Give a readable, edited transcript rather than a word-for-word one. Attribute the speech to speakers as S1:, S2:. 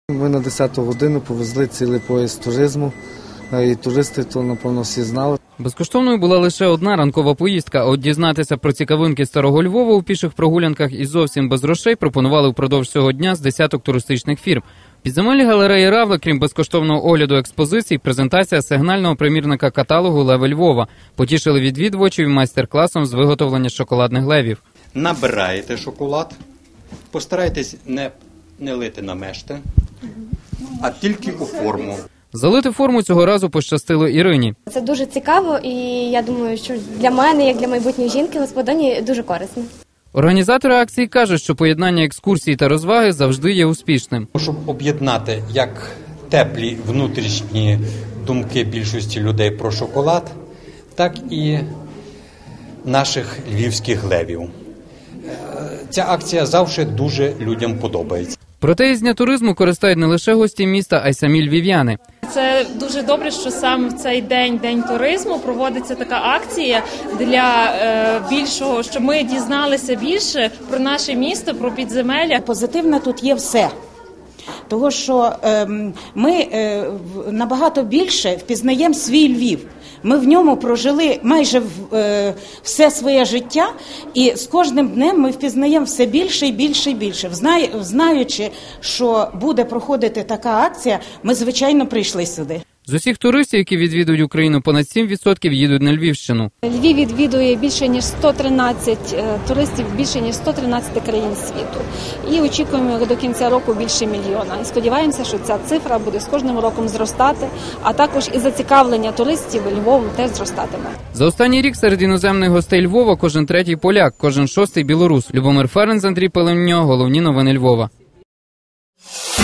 S1: Ми на 10-ту годину повезли цілий поїзд туризму, і туристи то, напевно, всі знали.
S2: Безкоштовною була лише одна ранкова поїздка, а от дізнатися про цікавинки Старого Львова у піших прогулянках і зовсім без грошей пропонували впродовж цього дня з десяток туристичних фірм. В підземеллі галереї Равли, крім безкоштовного огляду експозицій, презентація сигнального примірника каталогу «Леви Львова». Потішили відвідувачів майстер-класом з виготовлення шоколадних левів.
S3: Набираєте шоколад, постарайтесь не лити на мешти, а тільки у форму.
S2: Залити форму цього разу пощастило Ірині.
S4: Це дуже цікаво і я думаю, що для мене, як для майбутньої жінки-господині, дуже корисно.
S2: Організатори акції кажуть, що поєднання екскурсій та розваги завжди є успішним.
S3: Щоб об'єднати як теплі внутрішні думки більшості людей про шоколад, так і наших львівських левів. Ця акція завжди дуже людям подобається.
S2: Проте із дня туризму користають не лише гості міста, а й самі львів'яни.
S5: Це дуже добре, що саме в цей день туризму проводиться така акція для більшого, щоб ми дізналися більше про наше місто, про підземелля.
S6: Позитивне тут є все. Того, що ми набагато більше впізнаємо свій Львів. Ми в ньому прожили майже все своє життя, і з кожним днем ми впізнаємо все більше і більше і більше. Знаючи, що буде проходити така акція, ми, звичайно, прийшли сюди.
S2: З усіх туристів, які відвідують Україну, понад 7% їдуть на Львівщину.
S7: Львів відвідує більше ніж 113 туристів, більше ніж 113 країн світу. І очікуємо до кінця року більше мільйона. І сподіваємося, що ця цифра буде з кожним роком зростати, а також і зацікавлення туристів Львовом теж зростатиме.
S2: За останній рік серед іноземних гостей Львова кожен третій поляк, кожен шостий білорус. Любомир Ференц, Андрій Пеленньо, головні новини Львова.